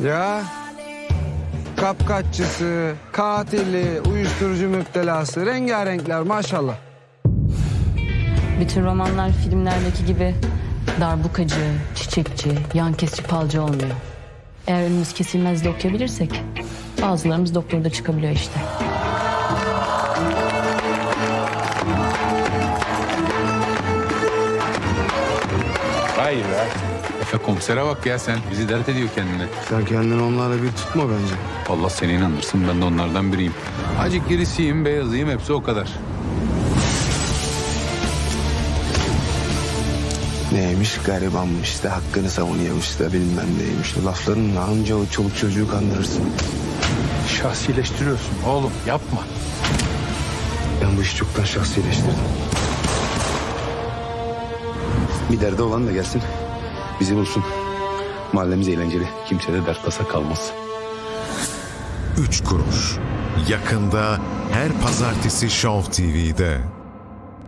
Ya kapkaççısı, katili, uyuşturucu müptelası, rengarenkler maşallah. Bütün romanlar filmlerdeki gibi darbukacı, çiçekçi, yan kesici falcı olmuyor. Eğer önümüz kesilmez de okuyabilirsek bazılarımız doktorda çıkabiliyor işte. Hayır be. Efe komisere bak ya sen. Bizi dert ediyor kendine. Sen kendini onlarla bir tutma bence. Allah seni inandırsın, ben de onlardan biriyim. Acık girisiyim, beyazıyım, hepsi o kadar. Neymiş garibanmış da hakkını savunuyormuş da bilmem neymiş. Laflarınla anca o çoluk çocuğu kandırırsın. Şahsileştiriyorsun oğlum, yapma. Ben bu işi çoktan şahsileştirdim. Bir derdi olan da gelsin. Bizi bulsun. Mahallemiz eğlenceli. Kimse de dert tasa kalmaz. 3 kuruş. Yakında her pazartesi Show TV'de.